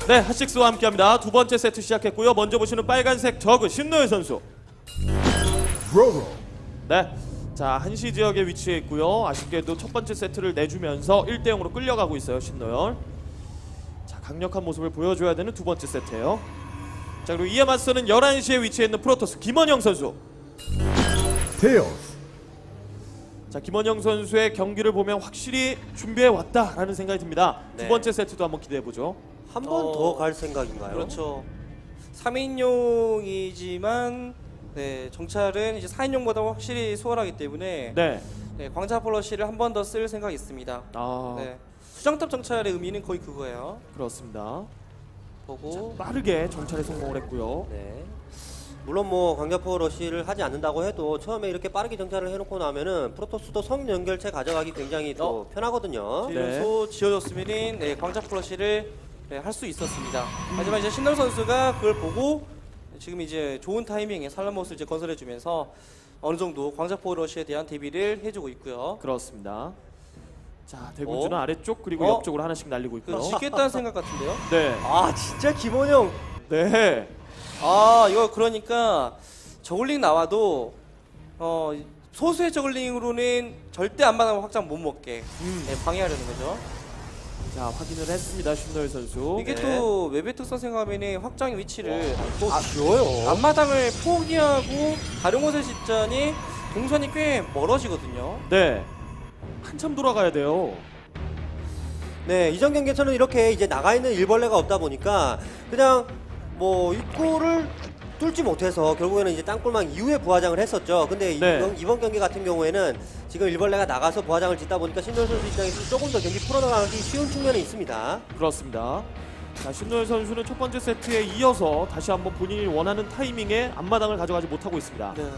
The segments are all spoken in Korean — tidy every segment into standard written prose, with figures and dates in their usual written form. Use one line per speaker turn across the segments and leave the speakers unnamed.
네, 핫식스와 함께합니다. 두 번째 세트 시작했고요. 먼저 보시는 빨간색 저그 신노예 선수. 네, 자 한시 지역에 위치해 있고요. 아쉽게도 첫 번째 세트를 내주면서 1대0으로 끌려가고 있어요 신노열. 자 강력한 모습을 보여줘야 되는 두 번째 세트예요. 자 그리고 이에 맞서는 11시에 위치해 있는 프로토스 김원영 선수. 자 김원영 선수의 경기를 보면 확실히 준비해 왔다라는 생각이 듭니다.
네.
두 번째 세트도 한번 기대해 보죠.
한 번 더 갈 생각인가요?
그렇죠. 3인용이지만 네, 정찰은 이제 4인용보다 확실히 수월하기 때문에
네.
네, 광자 플러시를 한 번 더 쓸 생각이 있습니다.
아
네. 수정탑 정찰의 의미는 거의 그거예요.
그렇습니다.
보고
빠르게 정찰에 성공을 했고요.
네. 물론 뭐 광자포 러시를 하지 않는다고 해도 처음에 이렇게 빠르게 정찰을 해놓고 나면은 프로토스도 성 연결체 가져가기 굉장히 또 편하거든요.
이래서 지어졌으면은 네, 광자 플러시를 네, 할 수 있었습니다. 하지만 이제 신동 선수가 그걸 보고 지금 이제 좋은 타이밍에 살라모스를 이제 건설해주면서 어느 정도 광자포 러시에 대한 대비를 해주고 있고요.
그렇습니다. 자 대군주는 아래쪽 그리고
어?
옆쪽으로 하나씩 날리고 있고요.
그 짓겠다는 생각 같은데요?
네.
아 진짜 김원영.
네.
아 이거 그러니까 저글링 나와도 소수의 저글링으로는 절대 안마당 확장 못 먹게 네, 방해하려는 거죠.
자 확인을 했습니다 신노일 선수.
이게
네.
또 웹의 특성 생각하면 확장 위치를
또 쉬워요.
앞마당을 포기하고 다른 곳에 짓자니 동선이 꽤 멀어지거든요.
네. 한참 돌아가야 돼요.
네, 이전 경기에서는 이렇게 이제 나가 있는 일벌레가 없다 보니까 그냥 뭐 입구를 뚫지 못해서 결국에는 이제 땅굴망 이후에 부화장을 했었죠. 근데
네.
이번 경기 같은 경우에는 지금 일벌레가 나가서 부화장을 짓다 보니까 신노일 선수 입장에서 조금 더 경기 풀어나가기 쉬운 측면이 있습니다.
그렇습니다. 자 신노일 선수는 첫 번째 세트에 이어서 다시 한번 본인이 원하는 타이밍에 앞마당을 가져가지 못하고 있습니다.
네.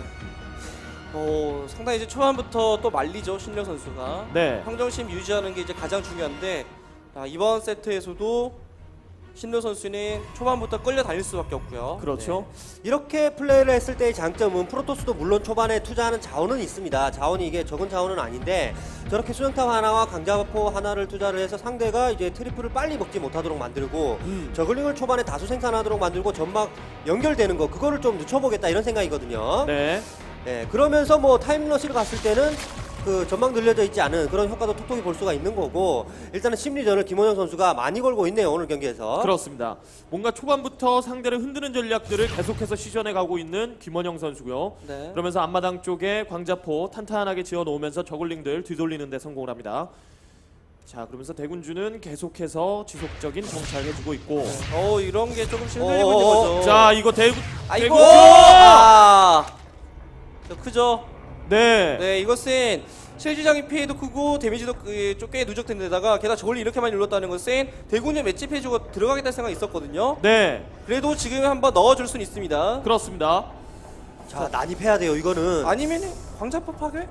상당히 이제 초반부터 또 말리죠 신령 선수가.
네.
평정심 유지하는 게 이제 가장 중요한데 이번 세트에서도 신료 선수는 초반부터 끌려 다닐 수밖에 없고요.
그렇죠.
이렇게 플레이를 했을 때의 장점은 프로토스도 물론 초반에 투자하는 자원은 있습니다. 자원이 이게 적은 자원은 아닌데 저렇게 수정탑 하나와 강자포 하나를 투자를 해서 상대가 이제 트리플을 빨리 먹지 못하도록 만들고 저글링을 초반에 다수 생산하도록 만들고 점막 연결되는 거 그거를 좀 늦춰보겠다 이런 생각이거든요.
네.
네, 그러면서 뭐 타임러시를 갔을 때는 그 전망 늘려져 있지 않은 그런 효과도 톡톡히 볼 수가 있는 거고 일단은 심리전을 김원영 선수가 많이 걸고 있네요 오늘 경기에서.
그렇습니다. 뭔가 초반부터 상대를 흔드는 전략들을 계속해서 시전해 가고 있는 김원영 선수고요.
네.
그러면서 앞마당 쪽에 광자포 탄탄하게 지어 놓으면서 저글링들 뒤돌리는 데 성공을 합니다. 자 그러면서 대군주는 계속해서 지속적인 정찰해주고 있고.
이런 게 조금씩 흔들리고 있는 거죠.
자 이거 대군.
아이고. 크죠.
네.
네, 이것은 실질적인 피해도 크고 데미지도 꽤 누적된 데다가 게다가 저걸리 이렇게 많이 눌렀다는 것은 대군주 맷집 해주고 들어가겠다는 생각이 있었거든요.
네.
그래도 지금 한번 넣어줄 수는 있습니다.
그렇습니다.
자 난입해야 돼요 이거는.
아니면 광자포 파괴?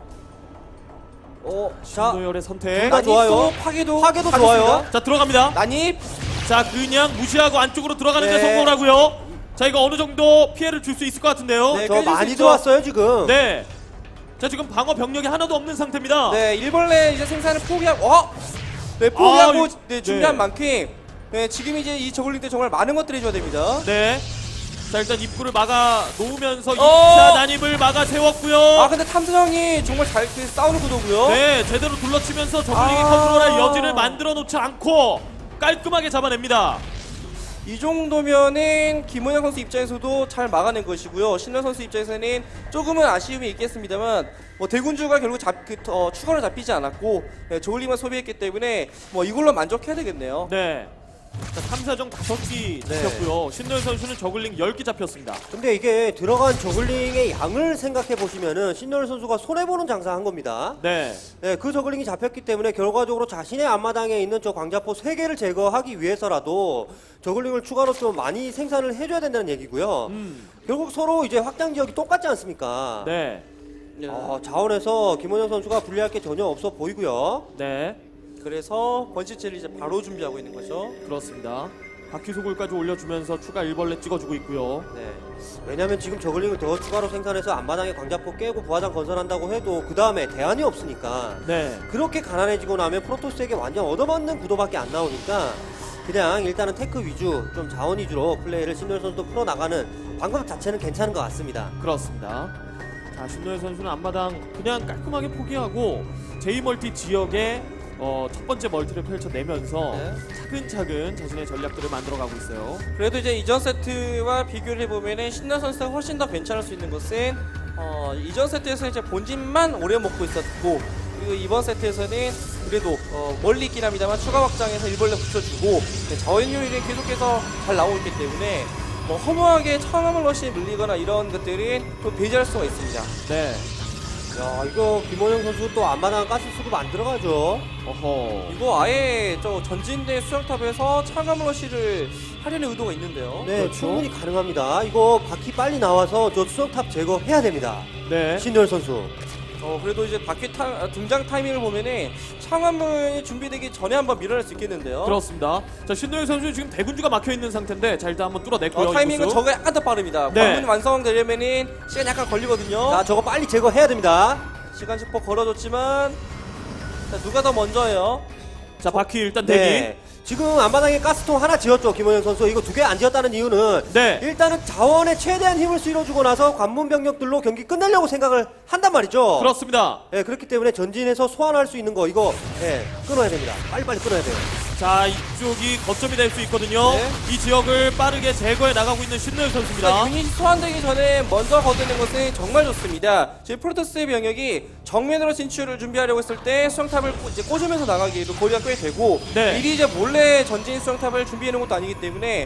자
신노열의 선택.
둘 다 좋아요.
파괴도
파괴도
하겠습니다.
좋아요.
자 들어갑니다.
난입.
자 그냥 무시하고 안쪽으로 들어가는 데
네.
성공을 하고요. 자 이거 어느 정도 피해를 줄 수 있을 것 같은데요.
네.
저
깨질 수
많이
있죠.
들어왔어요 지금.
네. 자 지금 방어 병력이 하나도 없는 상태입니다.
네, 일벌레 이제 생산을 포기하고 네, 포기하고 네, 준비한
네.
만큼 네, 지금 이제 이 저글링 때 정말 많은 것들을 해줘야 됩니다.
네. 자 일단 입구를 막아 놓으면서 2차 난입을 막아 세웠고요.
근데 탐정이 정말 잘 싸우는 구도고요.
네, 제대로 둘러치면서 저글링이 컨트롤할 여지를 만들어 놓지 않고 깔끔하게 잡아냅니다.
이 정도면은 김원영 선수 입장에서도 잘 막아낸 것이고요. 신현 선수 입장에서는 조금은 아쉬움이 있겠습니다만 대군주가 결국 추가로 잡히지 않았고 저글링만 소비했기 때문에 이걸로 만족해야 되겠네요.
네. 자 3사정 5기
네.
잡혔고요. 신노현 선수는 저글링 10기 잡혔습니다.
근데 이게 들어간 저글링의 양을 생각해 보시면은 신노일 선수가 손해 보는 장사한 겁니다.
네.
네, 그 저글링이 잡혔기 때문에 결과적으로 자신의 앞마당에 있는 저 광자포 3개를 제거하기 위해서라도 저글링을 추가로 좀 많이 생산을 해줘야 된다는 얘기고요. 결국 서로 이제 확장 지역이 똑같지 않습니까?
네.
자원에서 김원영 선수가 불리할 게 전혀 없어 보이고요.
네.
그래서 번시체를 이제 바로 준비하고 있는 거죠.
그렇습니다. 바퀴 소굴까지 올려주면서 추가 일벌레 찍어주고 있고요.
네. 왜냐면 지금 저글링을 더 추가로 생산해서 앞마당에 광자포 깨고 부화장 건설한다고 해도 그 다음에 대안이 없으니까
네.
그렇게 가난해지고 나면 프로토스에게 완전 얻어맞는 구도밖에 안 나오니까 그냥 일단은 테크 위주, 좀 자원 위주로 플레이를 신노현 선수도 풀어나가는 방법 자체는 괜찮은 것 같습니다.
그렇습니다. 자, 신노현 선수는 앞마당 그냥 깔끔하게 포기하고 제2멀티 지역에 첫 번째 멀티를 펼쳐내면서
네.
차근차근 자신의 전략들을 만들어가고 있어요.
그래도 이제 이전 세트와 비교를 해보면은 신나 선수가 훨씬 더 괜찮을 수 있는 것은 이전 세트에서 이제 본진만 오래 먹고 있었고, 그리고 이번 세트에서는 그래도 멀리 있긴 합니다만 추가 확장해서 일벌레 붙여주고 자원 효율이 계속해서 잘 나오고 있기 때문에 뭐 허무하게 청화물 러시에 밀리거나 이런 것들은 또 배제할 수가 있습니다.
네.
야, 이거 김원영 선수 또 앞마당 가스 수급 안 들어가죠.
어허.
이거 아예 저 전진대 수영탑에서 청화물 러시를 하려는 의도가 있는데요.
네,
그렇죠.
충분히 가능합니다. 이거 바퀴 빨리 나와서 저 수영탑 제거해야 됩니다.
네.
신노현 선수.
그래도 이제 바퀴 등장 타이밍을 보면은 창화문이 준비되기 전에 한번 밀어낼 수 있겠는데요.
그렇습니다. 자, 신노현 선수 지금 대군주가 막혀 있는 상태인데 자, 일단 한번 뚫어냈고요.
타이밍은
이
저거 약간 더 빠릅니다.
네.
관문 완성되려면은 시간 약간 걸리거든요.
자, 저거 빨리 제거해야 됩니다.
시간 슈퍼 걸어줬지만 자, 누가 더 먼저예요?
자, 바퀴 일단 대기.
네. 지금 앞마당에 가스통 하나 지었죠, 김원영 선수. 이거 2개 안 지었다는 이유는
네.
일단은 자원에 최대한 힘을 실어주고 나서 관문 병력들로 경기 끝내려고 생각을 한단 말이죠.
그렇습니다.
네, 그렇기 때문에 전진해서 소환할 수 있는 거 이거 끊어야 됩니다. 빨리빨리 끊어야 돼요.
자, 이쪽이 거점이 될 수 있거든요.
네.
이 지역을 빠르게 제거해 나가고 있는 신노현 선수입니다.
유닛 소환되기 전에 먼저 거두는 것은 정말 좋습니다. 지금 프로토스의 병력이 정면으로 진출을 준비하려고 했을 때 수영탑을 이제 꽂으면서 나가기에도 거리가 꽤 되고
네.
미리 이제 몰래 전진 수영탑을 준비해 놓은 것도 아니기 때문에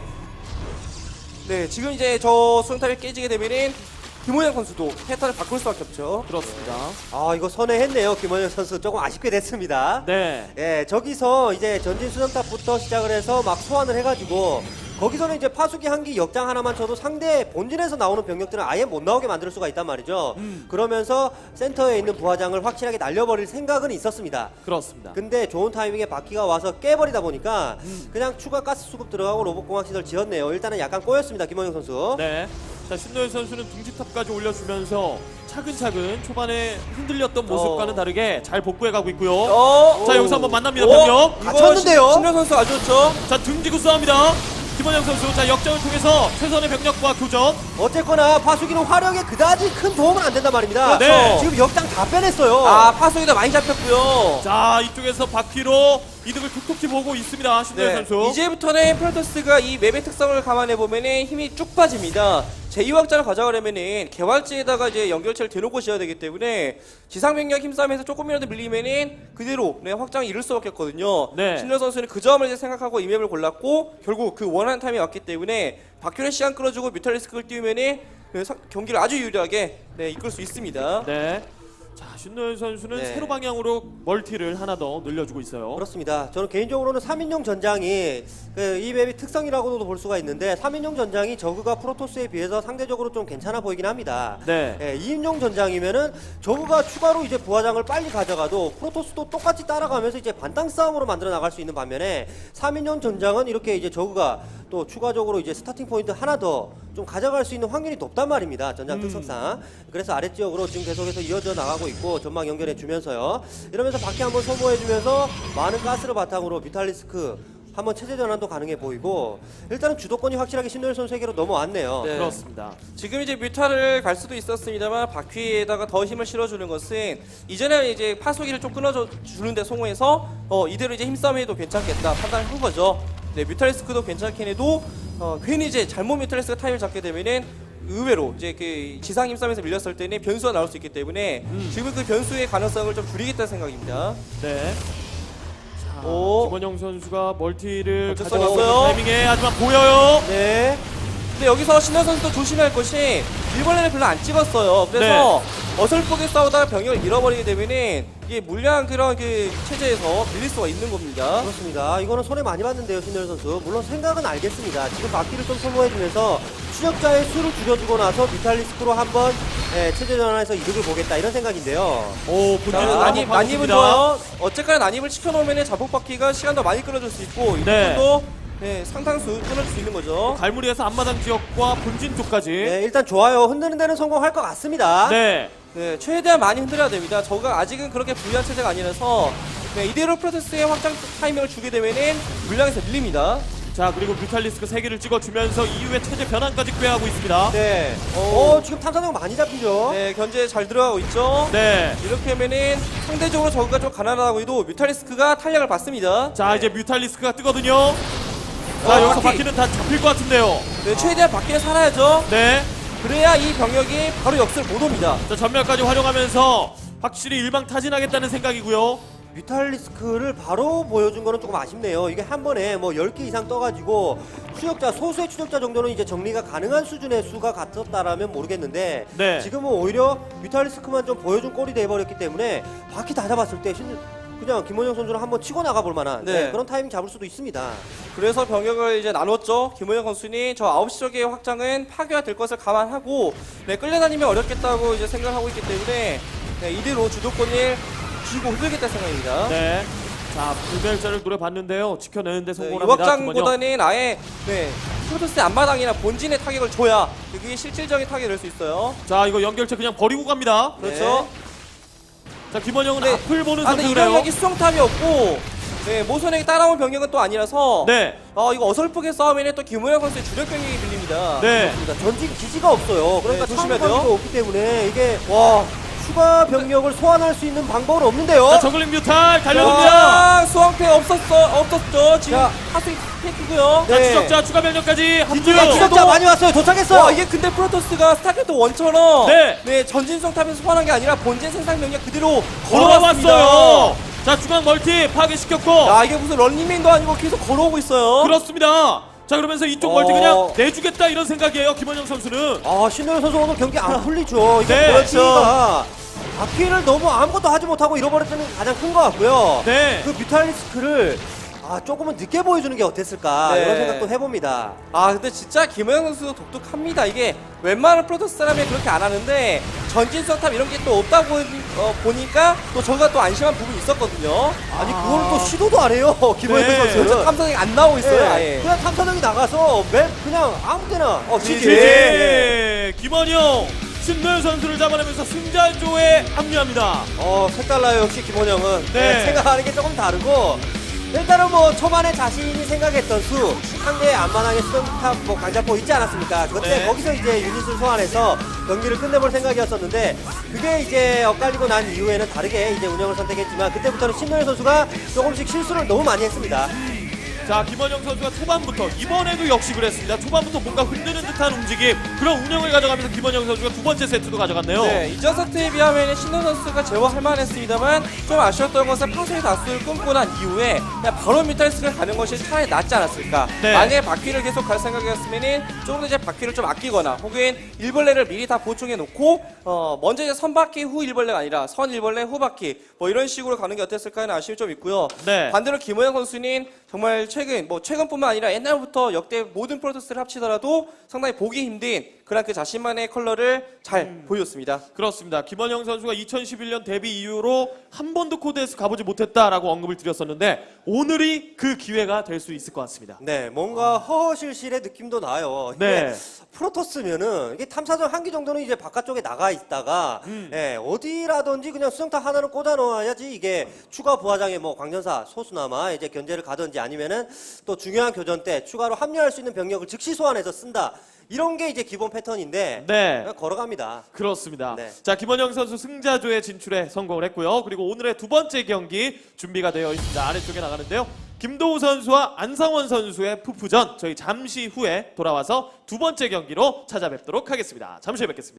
네, 지금 이제 저 수영탑이 깨지게 되면은 김호영 선수도 패턴을 바꿀 수밖에 없죠.
그렇습니다.
아, 이거 선회했네요, 김원영 선수. 조금 아쉽게 됐습니다.
네.
예, 저기서 이제 전진 수정탑부터 시작을 해서 막 소환을 해가지고 거기서는 이제 파수기 한 기 역장 하나만 쳐도 상대 본진에서 나오는 병력들은 아예 못 나오게 만들 수가 있단 말이죠. 그러면서 센터에 있는 부하장을 확실하게 날려버릴 생각은 있었습니다.
그렇습니다.
근데 좋은 타이밍에 바퀴가 와서 깨버리다 보니까 그냥 추가 가스 수급 들어가고 로봇공학 시설 지었네요. 일단은 약간 꼬였습니다, 김원영 선수.
네. 자, 신노현 선수는 둥지탑까지 올려주면서 차근차근 초반에 흔들렸던 모습과는 다르게 잘 복구해가고 있고요. 자, 여기서 한번 만납니다, 병력.
갇혔는데요?
신현 선수 아주 좋죠.
자, 등지고 싸웁니다. 김원영 선수. 자, 역전을 통해서 최선의 병력과 교전.
어쨌거나 파수기는 화력에 그다지 큰 도움은 안 된단 말입니다.
네.
지금 역장 다 빼냈어요.
아, 파수기도 많이 잡혔고요.
자, 이쪽에서 바퀴로 이득을 톡톡히 보고 있습니다, 신노현 선수.
네. 이제부터는 프로토스가 이 맵의 특성을 감안해 보면은 힘이 쭉 빠집니다. 제2확장을 가져가려면은 개활지에다가 이제 연결체를 대놓고 지어야 되기 때문에 지상병력 힘싸움에서 조금이라도 밀리면은 그대로 확장을 이룰 수밖에 없거든요.
네.
신현 선수는 그 점을 이제 생각하고 이 맵을 골랐고 결국 그 원하는 타임이 왔기 때문에 바퀴를 시간 끌어주고 뮤탈리스크를 띄우면은 경기를 아주 유리하게 이끌 수 있습니다.
네. 자, 신노현 선수는
네.
세로 방향으로 멀티를 하나 더 늘려주고 있어요.
그렇습니다. 저는 개인적으로는 3인용 전장이 이 맵의 특성이라고도 볼 수가 있는데 3인용 전장이 저그가 프로토스에 비해서 상대적으로 좀 괜찮아 보이긴 합니다.
네.
2인용 전장이면은 저그가 추가로 이제 부하장을 빨리 가져가도 프로토스도 똑같이 따라가면서 이제 반땅 싸움으로 만들어 나갈 수 있는 반면에 3인용 전장은 이렇게 이제 저그가 또 추가적으로 이제 스타팅 포인트 하나 더 좀 가져갈 수 있는 확률이 높단 말입니다. 전장 특성상. 그래서 아랫지역으로 지금 계속해서 이어져 나가고 있고 전망 연결해 주면서요. 이러면서 바퀴 한번 소모해 주면서 많은 가스를 바탕으로 비탈리스크 한번 체제 전환도 가능해 보이고 일단은 주도권이 확실하게 신노현 선수에게로 넘어왔네요.
네.
그렇습니다.
지금 이제 뮤타를 갈 수도 있었습니다만 바퀴에다가 더 힘을 실어주는 것은 이전에 이제 파수기를 좀 끊어주는데 성공해서 이대로 이제 힘싸움해도 괜찮겠다 판단을 한 거죠. 네, 뮤탈리스크도 괜찮긴 해도 괜히 이제 잘못 뮤탈리스크가 타임을 잡게 되면은 의외로 이제 그 지상 힘싸움에서 밀렸을 때는 변수가 나올 수 있기 때문에 지금 그 변수의 가능성을 좀 줄이겠다는 생각입니다.
네. 자,
오.
김원영 선수가 멀티를
어쩔 수
가져오는
없어요.
타이밍에 하지만 보여요.
네.
근데 여기서 신현 선수도 조심해야 할 것이 일벌레를 별로 안 찍었어요. 그래서 어설프게 싸우다가 병력을 잃어버리게 되면은 이게 물량 그런 그 체제에서 밀릴 수가 있는 겁니다.
그렇습니다. 이거는 손해 많이 봤는데요, 신노현 선수. 물론 생각은 알겠습니다. 지금 바퀴를 좀 소모해주면서 추적자의 수를 줄여주고 나서 비탈리스크로 한번 체제 전환해서 이득을 보겠다 이런 생각인데요.
오,
자,
본진은
난입은 좋아요. 어쨌거나 난입을 시켜놓으면 자폭 바퀴가 시간 더 많이 끌어줄 수 있고 이
네.
부분도 상당수 끊어줄 수 있는 거죠.
갈무리에서 앞마당 지역과 본진 쪽까지.
네, 일단 좋아요. 흔드는 데는 성공할 것 같습니다.
네.
네, 최대한 많이 흔들어야 됩니다. 저가 아직은 그렇게 불리한 체제가 아니라서 이대로 프로토스의 확장 타이밍을 주게 되면은 물량에서 밀립니다.
자, 그리고 뮤탈리스크 3개를 찍어주면서 이후에 체제 변환까지 꾀하고 있습니다.
네. 지금 탐사정 많이 잡히죠.
네, 견제 잘 들어가고 있죠.
네.
이렇게 하면은 상대적으로 저그가 좀 가난하다고 해도 뮤탈리스크가 탄력을 받습니다.
자, 이제 뮤탈리스크가 뜨거든요. 자, 여기서
바퀴.
바퀴는 다 잡힐 것 같은데요.
네, 최대한 밖에 살아야죠.
네.
그래야 이 병력이 바로 역습을 못 옵니다.
자, 전멸까지 활용하면서 확실히 일방타진하겠다는 생각이고요.
뮤탈리스크를 바로 보여준 거는 조금 아쉽네요. 이게 한 번에 뭐 10개 이상 떠가지고 추적자, 소수의 추적자 정도는 이제 정리가 가능한 수준의 수가 같았다라면 모르겠는데
네.
지금은 오히려 뮤탈리스크만 좀 보여준 꼴이 돼버렸기 때문에 바퀴 다 잡았을 때 그냥 김원영 선수는 한번 치고 나가볼 만한
네.
그런 타이밍 잡을 수도 있습니다.
그래서 병력을 이제 나눴죠. 김호영 선수는 저 9시 쪽의 확장은 파괴가 될 것을 감안하고 네, 끌려다니면 어렵겠다고 이제 생각을 하고 있기 때문에 네, 이대로 주도권을 쥐고 흔들겠다 생각입니다.
네. 자, 불멸자를 노려봤는데요. 지켜내는데
네, 이
성공합니다.
확장보다는 아예 네, 프로토스의 앞마당이나 본진의 타격을 줘야 그게 실질적인 타격이 될 수 있어요.
자, 이거 연결체 그냥 버리고 갑니다.
그렇죠.
자, 김원영은
네.
앞을 보는
근데 이
선택을 해요.
병력이 수정탑이 없고 네, 모선에게 따라온 병력은 또 아니라서
네.
이거 어설프게 싸우면 또 김호영 선수의 주력 병력이 빌립니다.
네.
그러니까 전진 기지가 없어요. 그러니까
네, 조심해야 돼요.
창의가 없기 때문에 이게 추가 병력을 소환할 수 있는 방법은 없는데요.
자, 저글링 뮤탈 달려듭니다.
수왕패 없었죠. 지금
자.
하수인 테크고요.
자,
네.
추적자 추가 병력까지 합류.
기지가 추적자 많이 왔어요. 도착했어요.
와, 이게 근데 프로토스가 스타크래프트 1처럼
네.
전진성 탑에서 소환한 게 아니라 본진 생산 병력 그대로 걸어왔습니다.
걸어왔어요. 자, 중앙 멀티 파괴시켰고.
야, 이게 무슨 런닝맨도 아니고 계속 걸어오고 있어요.
그렇습니다. 자, 그러면서 이쪽 멀티 그냥 내주겠다 이런 생각이에요. 김원영 선수는.
신노현 선수 오늘 경기 안 풀리죠. 이게
네,
멀티가 바퀴를 너무 아무것도 하지 못하고 잃어버렸다는 게 가장 큰 것 같고요.
네.
그 뮤탈리스크를 조금은 늦게 보여주는 게 어땠을까
네.
이런 생각도 해봅니다.
근데 진짜 김호영 선수도 독특합니다. 이게 웬만한 프로토스 사람이 그렇게 안 하는데 전진성 탑 이런 게 또 없다고 보니까 또 저가 또 안심한 부분이 있었거든요.
아니 그거를 또 시도도 안 해요. 김호영
네.
선수는.
탐사정이 안 나오고 있어요.
네.
아예.
그냥 탐사정이 나가서 그냥 아무 때나 지지.
지지. 김원영 신노현 선수를 잡아내면서 승자조에 합류합니다.
색달라요. 역시 김원영은.
네.
생각하는 게 조금 다르고 일단은 뭐 초반에 자신이 생각했던 수 상대의 안만하게 수정탑 강자포 있지 않았습니까? 그때
네.
거기서 이제 유닛을 소환해서 경기를 끝내볼 생각이었었는데 그게 이제 엇갈리고 난 이후에는 다르게 이제 운영을 선택했지만 그때부터는 신노현 선수가 조금씩 실수를 너무 많이 했습니다.
자, 김원영 선수가 초반부터 이번에도 역시 그랬습니다. 초반부터 뭔가 흔드는 듯한 움직임 그런 운영을 가져가면서 김원영 선수가 두 번째 세트도 가져갔네요.
네, 이전 세트에 비하면 신노 선수가 제어할 만했습니다만 좀 아쉬웠던 것은 파수의 다수를 끊고 난 이후에 그냥 바로 뮤탈리스크를 가는 것이 차라리 낫지 않았을까.
네.
만약에 바퀴를 계속 갈 생각이었으면 조금 더 이제 바퀴를 좀 아끼거나 혹은 일벌레를 미리 다 보충해 놓고 먼저 이제 선바퀴 후 일벌레가 아니라 선 일벌레 후 바퀴 뭐 이런 식으로 가는 게 어땠을까 하는 아쉬움이 좀 있고요.
네.
반대로 김호영 선수는 정말 최근뿐만 아니라 옛날부터 역대 모든 프로토스를 합치더라도 상당히 보기 힘든 그런 그 자신만의 컬러를 잘 보여줬습니다.
그렇습니다. 김원영 선수가 2011년 데뷔 이후로 한 번도 코드에서 가보지 못했다라고 언급을 드렸었는데 오늘이 그 기회가 될 수 있을 것 같습니다.
네, 뭔가 허허실실의 느낌도 나요. 이게
네.
프로토스면은 이게 탐사정 한 기 정도는 이제 바깥쪽에 나가 있다가 어디라든지 그냥 수정탑 하나는 꽂아 놓아야지 이게 추가 부하장에 뭐 광전사 소수나마 이제 견제를 가든지 아니면은 또 중요한 교전 때 추가로 합류할 수 있는 병력을 즉시 소환해서 쓴다. 이런 게 이제 기본 패턴인데
네.
그냥 걸어갑니다.
그렇습니다.
네.
자, 김원영 선수 승자조에 진출에 성공을 했고요. 그리고 오늘의 두 번째 경기 준비가 되어 있습니다. 아래쪽에 나가는데요. 김도우 선수와 안상원 선수의 푸푸전 저희 잠시 후에 돌아와서 두 번째 경기로 찾아뵙도록 하겠습니다. 잠시 후에 뵙겠습니다.